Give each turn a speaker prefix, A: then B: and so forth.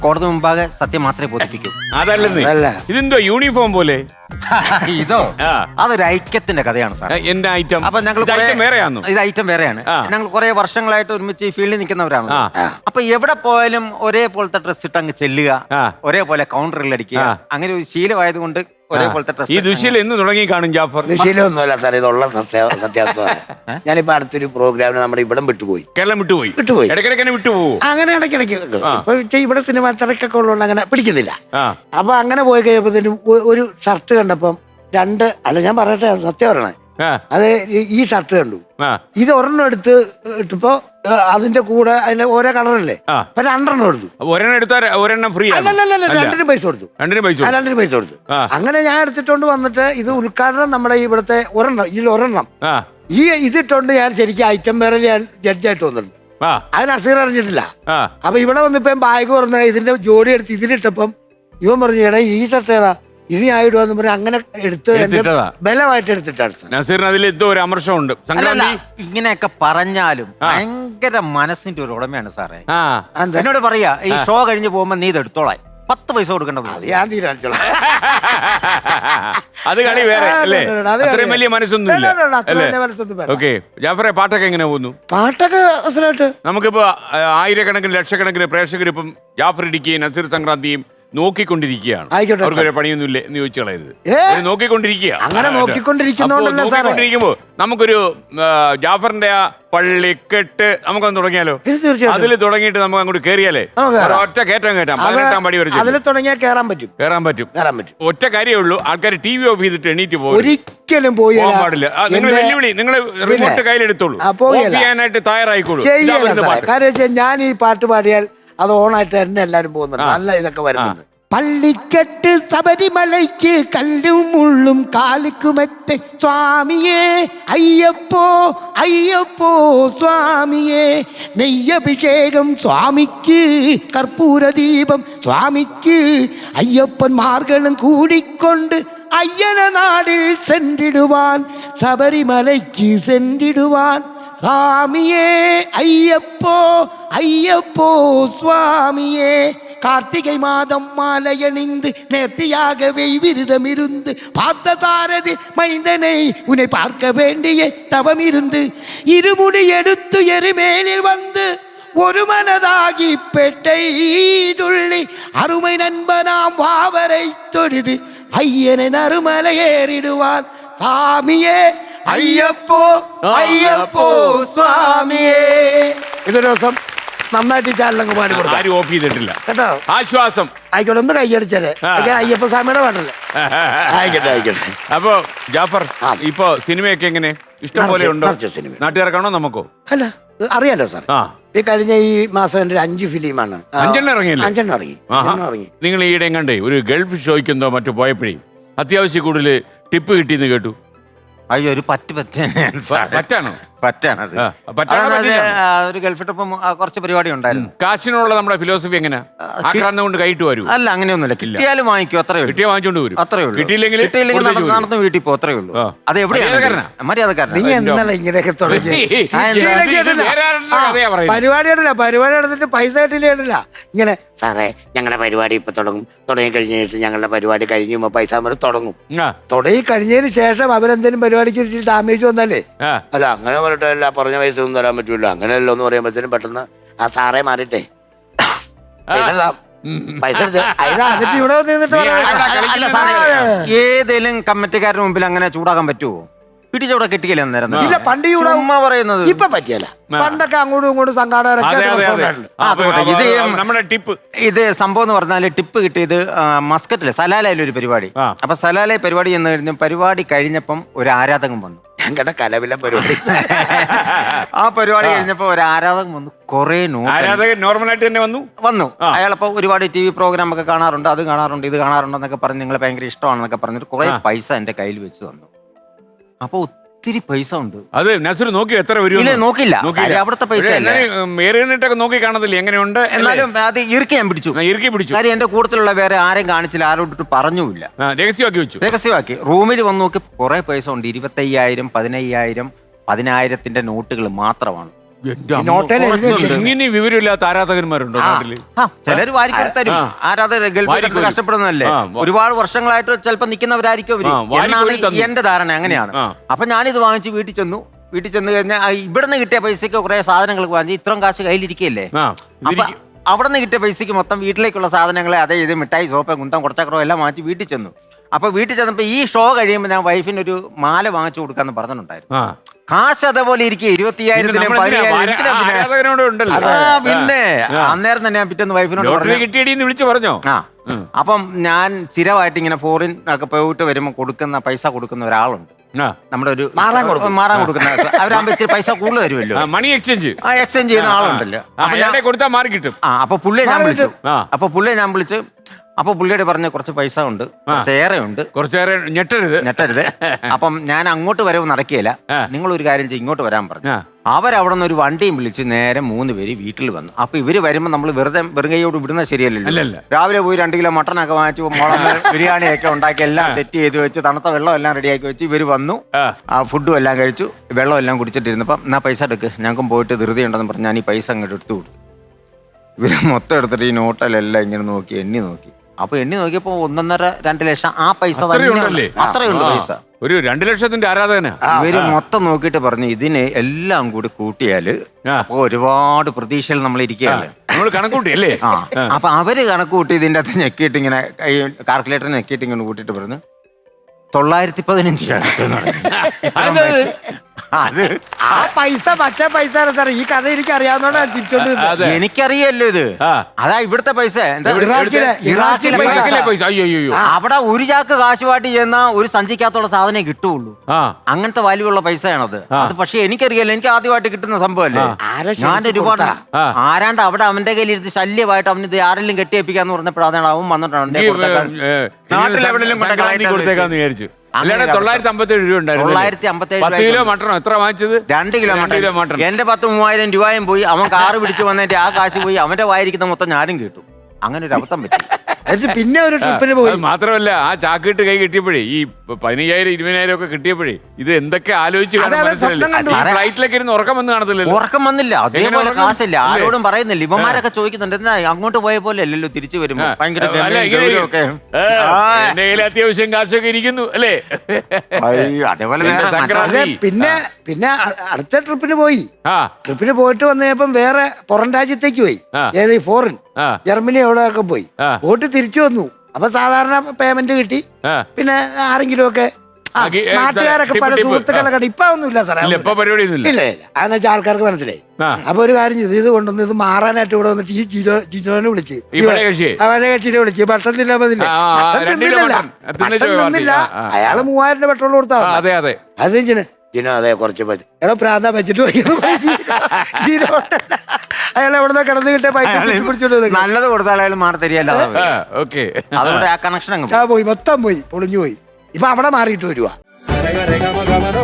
A: കോടതി മുമ്പാകെ സത്യം മാത്രമേ ബോധിപ്പിക്കൂ.
B: അതല്ലെന്ന്, ഇതെന്തോ യൂണിഫോം പോലെ.
A: ഇതോ അതൊരു ഐക്യത്തിന്റെ കഥയാണ് സാർ.
B: എന്റെ ഐറ്റം.
A: അപ്പൊ ഞങ്ങൾ
B: വേറെയാണോ?
A: ഇത് ഐറ്റം വേറെയാണ്. ഞങ്ങൾ കുറെ വർഷങ്ങളായിട്ട് ഒരുമിച്ച് ഈ ഫീൽഡിൽ നിൽക്കുന്നവരാണ്. അപ്പൊ എവിടെ പോയാലും ഒരേപോലത്തെ ഡ്രസ് ഇട്ട് അങ്ങ് ചെല്ലുക, ഒരേപോലെ കൗണ്ടറിൽ അടിക്കുക, അങ്ങനെ ഒരു ശീലമായതുകൊണ്ട് ഒരേപോലത്തെ ഡ്രസ്.
B: ഈ ദുശീലം എന്ന് തുടങ്ങി കാണും ജാഫർ?
C: ദുശീലമൊന്നുമല്ല സാർ, ഇതുള്ള സത്യാവസ്ഥയാണ്. ഞാനിപ്പോ അടുത്തൊരു പ്രോഗ്രാമിന് നമ്മുടെ ഇവിടം വിട്ടുപോയി.
B: കേരളം വിട്ടുപോയി.
C: ഇടയ്ക്കിടയ്ക്ക്
B: വിട്ടുപോകും.
C: അങ്ങനെ ഇടയ്ക്കിടയ്ക്ക് ഇവിടെ സിനിമ തിരക്കൊക്കെ ഉള്ളതുകൊണ്ട് അങ്ങനെ പിടിക്കുന്നില്ല. അപ്പൊ അങ്ങനെ പോയി കഴിയുമ്പോഴത്തേനും ഒരു ഷർട്ട് കണ്ടപ്പം ഞാൻ പറയട്ടെ, സത്യം പറയണേ, അത് ഈ ഷർട്ട് കണ്ടു. ഇത് ഒരെണ്ണം എടുത്ത് ഇട്ടപ്പോ അതിന്റെ കൂടെ അതിന്റെ ഓരോ കളറല്ലേ, അപ്പൊ രണ്ടെണ്ണം എടുത്തു.
B: ഒരെണ്ണം എടുത്താൽ ഒരെണ്ണം ഫ്രീ.
C: രണ്ടിനും പൈസ കൊടുത്തു. രണ്ടിനും പൈസ കൊടുത്തു. അങ്ങനെ ഞാൻ എടുത്തിട്ടോണ്ട് വന്നിട്ട് ഇത് ഉദ്ഘാടനം നമ്മുടെ ഇവിടുത്തെ ഇതിലൊരെണ്ണം ഇതിട്ടോണ്ട് ഞാൻ ശരിക്കും ഐറ്റം വേറെ ഞാൻ ജഡ്ജായിട്ട് വന്നിട്ടുണ്ട്. അതിന് അസീർ അറിഞ്ഞിട്ടില്ല. അപ്പൊ ഇവിടെ വന്നിപ്പം ബാഗ് തുറന്ന് ഇതിന്റെ ജോഡി എടുത്ത് ഇതിലിട്ടപ്പം ഇവൻ പറഞ്ഞു, എടാ ഈ ഷർട്ട് ഏതാ, ഇത് ഞാൻ ഇടുവാന്ന് പറഞ്ഞ് അങ്ങനെ എടുത്ത് ബലമായിട്ട് എടുത്തിട്ടാണ്.
B: അതിൽ എന്തോ ഒരു അമർഷമുണ്ട്.
A: ഇങ്ങനെയൊക്കെ പറഞ്ഞാലും ഭയങ്കര മനസ്സിന്റെ ഒരു ഉടമയാണ് സാറേ. എന്നോട് പറയാ, ഈ ഷോ കഴിഞ്ഞ് പോകുമ്പോ നീ ഇത് എടുത്തോളാം, 10 പൈസ കൊടുക്കണ്ട.
C: ഞാൻ തീരുമാനിച്ചോളാം.
B: അത് കളി വേറെ അല്ലേ? അത്രയും വലിയ മനസ്സൊന്നും. ഓക്കെ ജാഫറെ, പാട്ടൊക്കെ എങ്ങനെ പോകുന്നു?
C: പാട്ടൊക്കെ
B: നമുക്കിപ്പോ ആയിരക്കണക്കിന് ലക്ഷക്കണക്കിന് പ്രേക്ഷകർ ഇപ്പം ജാഫർ ഇടുക്കിയും നസീർ സംക്രാന്തിയും നോക്കിക്കൊണ്ടിരിക്കുകയാണ്. അവർക്കൊരു പണിയൊന്നുമില്ല എന്ന് ചോദിച്ചു കളയരുത്. നോക്കിക്കൊണ്ടിരിക്കുമ്പോ നമുക്കൊരു ജാഫറിന്റെ ആ പള്ളിക്കെട്ട് നമുക്കൊന്ന് തുടങ്ങിയാലോ? അതിൽ തുടങ്ങിയിട്ട് നമുക്ക് അങ്ങോട്ട് കേറിയാലേ ഒറ്റ കയറ്റം കയറ്റാം. 18-ാം പടി വരെ
C: കയറാൻ പറ്റും.
B: ഒറ്റ കാര്യമേ ഉള്ളൂ, ആൾക്കാർ TV ഓഫ് ചെയ്തിട്ട് എണീറ്റ് പോകും.
C: ഒരിക്കലും പോകാൻ
B: പാടില്ല. നിങ്ങൾ വെല്ലുവിളി, നിങ്ങൾ റിമോട്ട് കയ്യിലെടുത്തോളൂ, ചെയ്യാനായിട്ട് തയ്യാറായിക്കോളൂ.
C: ഞാൻ ഈ പാട്ട് പാടിയാൽ അത് ഓണായിട്ട് തന്നെ എല്ലാരും പോകുന്നുണ്ട്. നല്ല ഇതൊക്കെ വരുന്നുണ്ട്. പള്ളിക്കെട്ട് ശബരിമലയ്ക്ക് കല്ലും മുള്ളും കാലിക്കുമെത്തെ സ്വാമിയേ അയ്യപ്പോ അയ്യപ്പോ സ്വാമിയേ, നെയ്യഭിഷേകം സ്വാമിക്ക്, കർപ്പൂരദീപം സ്വാമിക്ക്, അയ്യപ്പന്മാർകളും കൂടിക്കൊണ്ട് അയ്യന നാടിൽ സെന്റിടുവാൻ, ശബരിമലയ്ക്ക് സെന്റിടുവാൻ, സ്വാമിയേ അയ്യപ്പോ അയ്യപ്പോ സ്വാമിയേ. கார்த்திகை மாதம் மாலையணிந்து நேர்த்தியாகவே விரதமிருந்து பார்த்த சாரதி மைந்தனை உன்னை பார்க்க வேண்டிய தவம் இருந்து இருமுடி எடுத்து எருமேலில் வந்து ஒரு மனதாகி பெட்டை துள்ளி அருமை நண்பனாம் வாவரை தொழுது ஐயனை நறுமலை ஏறிடுவான். சாமியே അയ്യപ്പോ അയ്യപ്പോ സ്വാമിയേ. ഇതൊരു ദിവസം നന്നായിട്ട് ചാനലങ്ങ് പാടി കൊടുക്കും.
B: ആരും ഓഫ് ചെയ്തിട്ടില്ല
C: കേട്ടോ.
B: ആശ്വാസം.
C: ആയിക്കോട്ടെ, ഒന്ന് കൈയടിച്ചേ. അയ്യപ്പ സ്വാമിയുടെ പാട്ടല്ലേ. ആയിക്കോട്ടെ.
B: അപ്പൊ ജാഫർ, ഇപ്പൊ സിനിമയൊക്കെ എങ്ങനെ ഇഷ്ടം പോലെ ഉണ്ടോ? നാട്ടുകാർക്കാണോ നമുക്കോ?
C: അല്ല, അറിയാലോ സാർ, ഈ കഴിഞ്ഞ ഈ മാസം എന്റെ 5 ഫിലിമാണ്.
B: 5 ഇറങ്ങിയില്ലേ?
C: 5 ഇറങ്ങി.
B: നിങ്ങൾ ഈയിടെ കണ്ടേ ഒരു ഗൾഫ് ഷോയ്ക്കെന്തോ മറ്റു പോയപ്പോഴേ അത്യാവശ്യം കൂടുതൽ ടിപ്പ് കിട്ടിയെന്ന് കേട്ടു.
A: അയ്യോ, ഒരു പറ്റാണോ? പറ്റാണത്. ഒരു ഗൾഫ് ട്രിപ്പും കുറച്ച് പരിപാടി ഉണ്ടായിരുന്നു.
B: കാശിനുള്ള നമ്മുടെ ഫിലോസഫി എങ്ങനെ? ആക്രാന്തം കൊണ്ട് കൈയിട്ട് വരൂ?
A: അല്ല, അങ്ങനെയൊന്നുമില്ല. കിട്ടിയാലും വാങ്ങിക്കും, അത്രേ ഉള്ളൂ.
B: കിട്ടിയാൽ വാങ്ങിച്ചോണ്ട് വരും,
A: അത്രേ ഉള്ളൂ.
B: കിട്ടിയില്ലെങ്കിൽ
A: നടന്ന് വീട്ടിൽ പോകും, അത്രേ ഉള്ളൂ. അത് എവിടെയാണ് മര്യാദക്കാരൻ.
C: നീ എന്താണ് ഇങ്ങനെയൊക്കെ തുടങ്ങി? പരിപാടി എടുത്തിട്ട് പൈസ കിട്ടില്ല. ഇങ്ങനെ സാറേ ഞങ്ങളുടെ പരിപാടി ഇപ്പൊ തുടങ്ങി കഴിഞ്ഞിട്ട് ഞങ്ങളുടെ പരിപാടി കഴിഞ്ഞ് പൈസ തുടങ്ങും. തുടങ്ങി കഴിഞ്ഞതിന് ശേഷം അവരെന്തെങ്കിലും പരിപാടിക്ക് ഡാമേജ് വന്നല്ലേ, അല്ല അങ്ങനെ പറഞ്ഞിട്ടല്ല, പറഞ്ഞ പൈസ ഒന്നും തരാൻ പറ്റൂല, അങ്ങനെയല്ലോ എന്ന് പറയുമ്പോഴത്തേനും പെട്ടെന്ന് ആ സാറേ മാറിട്ടെ പൈസ
A: ഏതെങ്കിലും കമ്മിറ്റിക്കാരുടെ മുമ്പിൽ അങ്ങനെ ചൂടാക്കാൻ പറ്റുമോ? പിടിച്ചവിടെ കിട്ടിയില്ല അന്നേരം.
C: ഇല്ല, പണ്ട് പറയുന്നത് ഇപ്പൊ പറ്റിയല്ല. പണ്ടൊക്കെ അങ്ങോട്ടും ഇങ്ങോട്ടും സംഘാടകരൊക്കെ.
A: ഇത് സംഭവം എന്ന് പറഞ്ഞാല് ടിപ്പ് കിട്ടിയത് മസ്കറ്റില് സലാലയിലൊരു പരിപാടി. അപ്പൊ സലാല പരിപാടി എന്ന് കഴിഞ്ഞ പരിപാടി കഴിഞ്ഞപ്പം ഒരു ആരാധകൻ വന്നു.
C: ഞങ്ങളുടെ കലവില പരിപാടി.
A: ആ പരിപാടി കഴിഞ്ഞപ്പോ ഒരു ആരാധകൻ വന്നു. കുറെ
B: നോർമലായിട്ട് തന്നെ
A: വന്നു. അയാളപ്പോ ഒരുപാട് TV പ്രോഗ്രാം ഒക്കെ കാണാറുണ്ട്, അത് കാണാറുണ്ട്, ഇത് കാണാറുണ്ടെന്നൊക്കെ പറഞ്ഞ് നിങ്ങളെ ഭയങ്കര ഇഷ്ടമാണെന്നൊക്കെ പറഞ്ഞിട്ട് കുറെ പൈസ എന്റെ കയ്യിൽ വെച്ച് തന്നു. അപ്പൊ ഒത്തിരി പൈസ ഉണ്ട്. അത്
B: നസീർ നോക്കി എത്ര വരും?
A: നോക്കില്ല, അവിടുത്തെ പൈസ
B: നോക്കി കാണത്തില്ല എങ്ങനെയുണ്ട്.
A: എന്നാലും അത് ഇറുക്കി ഞാൻ പിടിച്ചു. കാര്യം എന്റെ കൂട്ടത്തിലുള്ള വേറെ ആരെയും കാണിച്ചില്ല, ആരോട്ട് പറഞ്ഞുമില്ല, രഹസ്യമാക്കി. റൂമിൽ വന്ന് നോക്കി കുറെ പൈസ ഉണ്ട്. 25,000, 15,000, 10,000 നോട്ടുകൾ മാത്രമാണ്.
C: നോട്ടയിൽ എഴുതി വെച്ചിട്ടുണ്ട്.
B: ഇങ്ങനെ വിവരമില്ലാത്ത ആരാധകന്മാരുണ്ടോ നാട്ടില്?
A: ചിലര് വാരിക്കറി തരും. ആരാധകർ ഗൾഫിൽ കഷ്ടപ്പെടുന്നതല്ലേ, ഒരുപാട് വർഷങ്ങളായിട്ട് ചിലപ്പോ നിൽക്കുന്നവരായിരിക്കും അവര് എന്നാണ് എന്റെ ധാരണ. അങ്ങനെയാണ്. അപ്പൊ ഞാനിത് വാങ്ങിച്ച് വീട്ടിൽ ചെന്ന് കഴിഞ്ഞാൽ ഇവിടെ നിന്ന് കിട്ടിയ പൈസക്ക് കുറെ സാധനങ്ങൾ വാങ്ങി ഇത്രയും കാശ് കയ്യിലിരിക്കല്ലേ. അപ്പൊ അവിടെ നിന്ന് കിട്ടിയ പൈസക്ക് മൊത്തം വീട്ടിലേക്കുള്ള സാധനങ്ങളെ അതേ ഇത് മിഠായി, സോപ്പ്, കുന്തം, കുറച്ചക്രോ എല്ലാം വാങ്ങിച്ച് വീട്ടിൽ ചെന്നു. അപ്പൊ വീട്ടിൽ ചെന്നപ്പോ ഈ ഷോ കഴിയുമ്പോൾ ഞാൻ വൈഫിനൊരു മാല വാങ്ങിച്ചു കൊടുക്കാന്ന് പറഞ്ഞിട്ടുണ്ടായിരുന്നു. കാശ് അതേപോലെ ഇരിക്കും 20,000 പിന്നെ അന്നേരം തന്നെ ഞാൻ പിറ്റേന്ന് വൈഫിനോട്
B: വിളിച്ചു പറഞ്ഞോ.
A: അപ്പം ഞാൻ സ്ഥിരമായിട്ട് ഇങ്ങനെ ഫോറിൻ ഒക്കെ പോയിട്ട് വരുമ്പോൾ പൈസ കൊടുക്കുന്ന ഒരാളുണ്ട്. നമ്മുടെ ഒരു മാറാൻ കൊടുക്കുന്ന അവരാകുമ്പോ ഇച്ചിരി പൈസ കൂടുതൽ തരുമല്ലോ,
B: മണി എക്സ്ചേഞ്ച്
A: ചെയ്യുന്ന ആളുണ്ടല്ലോ.
B: കൊടുത്താൽ മാറി കിട്ടും.
A: അപ്പൊ പുള്ളിയെ ഞാൻ വിളിച്ചു. അപ്പൊ പുള്ളിയോട് പറഞ്ഞ കുറച്ച് പൈസ ഉണ്ട്, കുറച്ചേറെ ഞെട്ടരുത്. അപ്പം ഞാൻ അങ്ങോട്ട് വരവ് നടക്കുകയില്ല, നിങ്ങൾ ഒരു കാര്യം ചെയ്യും, ഇങ്ങോട്ട് വരാൻ പറഞ്ഞു. അവരവിടെ നിന്ന് ഒരു വണ്ടിയും വിളിച്ച് നേരെ 3 പേര് വീട്ടിൽ വന്നു. അപ്പൊ ഇവര് വരുമ്പോ നമ്മൾ വെറുകയോട് വിടുന്നത് ശരിയല്ലല്ലോ. രാവിലെ പോയി 2 കിലോ മട്ടനൊക്കെ വാങ്ങിച്ചു, മുളക് ബിരിയാണിയൊക്കെ ഉണ്ടാക്കി എല്ലാം സെറ്റ് ചെയ്ത് വെച്ച് തണുത്ത വെള്ളം എല്ലാം റെഡിയാക്കി വെച്ച് ഇവര് വന്നു. ഫുഡും എല്ലാം കഴിച്ചു, വെള്ളം എല്ലാം കുടിച്ചിട്ടിരുന്നപ്പം എന്നാ പൈസ എടുക്ക്, ഞങ്ങൾക്കും പോയിട്ട് ധൃതി ഉണ്ടെന്ന് പറഞ്ഞ് ഞാൻ ഈ പൈസ അങ്ങോട്ട് എടുത്തു കൊടുത്തു. ഇവര് മൊത്തം എടുത്തിട്ട് ഈ നോട്ടിലെല്ലാം ഇങ്ങനെ എണ്ണി നോക്കി. അപ്പൊ എണ്ണി നോക്കിയപ്പോ 1.5-2 ലക്ഷം ആ പൈസ അത്രയുണ്ട് പൈസ.
B: ഒരു 2 ലക്ഷത്തിന്റെ ആരാധകന.
A: ഇവര് മൊത്തം നോക്കിയിട്ട് പറഞ്ഞു ഇതിനെ എല്ലാം കൂടി കൂട്ടിയാല് അപ്പൊ ഒരുപാട് പ്രതീക്ഷയിൽ നമ്മൾ ഇരിക്കുകയല്ലേ,
B: നമ്മൾ കണക്കൂട്ടി അല്ലേ.
A: അപ്പൊ അവര് കണക്കൂട്ടി ഇതിന്റെ അകത്ത് ഞെക്കിയിട്ട് ഇങ്ങനെ കാൽക്കുലേറ്റർ ഞെക്കിയിട്ട് ഇങ്ങനെ കൂട്ടിയിട്ട് പറഞ്ഞു 915
C: അത് ആ പൈസ മറ്റേ പൈസ ഈ കഥ എനിക്ക് അറിയാവുന്നതാണ് തിരിച്ചോണ്ട്.
A: എനിക്കറിയല്ലോ ഇത്. അതാ ഇവിടുത്തെ പൈസ. അവിടെ ഒരു ചാക്ക് കാശുമായിട്ട് ചെയ്യുന്ന ഒരു സഞ്ചിക്കകത്തുള്ള സാധനം കിട്ടുള്ളൂ. അങ്ങനത്തെ വാല്യൂ ഉള്ള പൈസയാണത്. അത് പക്ഷെ എനിക്കറിയാലോ, എനിക്ക് ആദ്യമായിട്ട് കിട്ടുന്ന സംഭവമല്ലേ. ഞാൻ ഒരുപാട് ആരാണ്ട് അവിടെ അവന്റെ കയ്യിൽ ഇരുന്ന് ശല്യമായിട്ട് അവന് ഇത് ആരെങ്കിലും കെട്ടിയേപ്പിക്കാന്ന് പറഞ്ഞപ്പോഴാണ് അവൻ വന്നിട്ടുണ്ട്. നാട്ടിലെവിടെയും
B: കൊടുത്തേക്കാന്ന് വിചാരിച്ചു. 957 രൂപ ഉണ്ടായിരുന്നു. 10 കിലോ മട്ടണോ എത്ര വാങ്ങിച്ചത്?
A: 2 കിലോ മട്ടൺ. എന്റെ 10,000-3000 രൂപയും പോയി. അവൻ കാറ് പിടിച്ചു വന്നിട്ട് ആ കാശ് പോയി. അവന്റെ വായിരിക്കുന്ന മൊത്തം ഞാനും കേട്ടു. അങ്ങനെ ഒരു അബദ്ധം പറ്റി.
C: പിന്നെ ഒരു ട്രിപ്പിന് പോയി.
B: മാത്രമല്ല ആ ചാക്കിട്ട് കൈ കിട്ടിയപ്പോഴേ ഈ 15,000-20,000 ഒക്കെ കിട്ടിയപ്പോഴേ ഇത് എന്തൊക്കെ ആലോചിച്ച് ഫ്ലൈറ്റിലൊക്കെ ഇരുന്ന് ഉറക്കം വന്ന് കാണത്തില്ലല്ലോ.
A: ഉറക്കം വന്നില്ല, അതേപോലെ കാശില്ല, ആരോടും പറയുന്നില്ല. ഇവന്മാരൊക്കെ ചോദിക്കുന്നുണ്ട് എന്നാ അങ്ങോട്ട് പോയ പോലെ അല്ലല്ലോ തിരിച്ചു വരുമ്പോ. ഭയങ്കര
B: അത്യാവശ്യം കാശൊക്കെ ഇരിക്കുന്നു അല്ലേ.
A: അതേപോലെ
C: പിന്നെ അടുത്ത ട്രിപ്പിന് പോയിട്ട് വന്നപ്പം വേറെ പുറം രാജ്യത്തേക്ക് പോയി. ഏത് ഫോറിൻ ജർമ്മനി എവിടെയൊക്കെ പോയി തിരിച്ചു വന്നു. അപ്പൊ സാധാരണ പേയ്മെന്റ് കിട്ടി. പിന്നെ ആരെങ്കിലും ഒക്കെ നാട്ടുകാരൊക്കെ പല സുഹൃത്തുക്കളൊക്കെ ഇപ്പൊ ഒന്നുമില്ല സാറേ, ഇല്ല. അതെന്ന് വെച്ചാൽ ആൾക്കാർക്ക് മനസ്സിലായി. അപ്പൊ ഒരു കാര്യം ചെയ്തു, ഇത് കൊണ്ടുവന്ന് ഇത് മാറാനായിട്ട് ഇവിടെ വന്നിട്ട് ഈ ജിനോനെ വിളിച്ച് കക്ഷിനെ വിളിച്ച് ഭക്ഷണം തിന്നില്ല. അയാള് 3000 പെട്രോൾ കൊടുത്താ. അത് ജിനോ അതെ കുറച്ച് പൈസ എടാ പ്രാന്ത വെച്ചിട്ട് അയാൾ എവിടെ കിടന്ന് കിട്ടിയ പൈസ
A: നല്ലത് കൊടുത്താൽ മാറി തരികയല്ല. അതുകൊണ്ട് ആ കണക്ഷൻ
C: പോയി, മൊത്തം പോയി, പൊളിഞ്ഞു പോയി. ഇപ്പൊ അവിടെ മാറിയിട്ട് വരുവാ.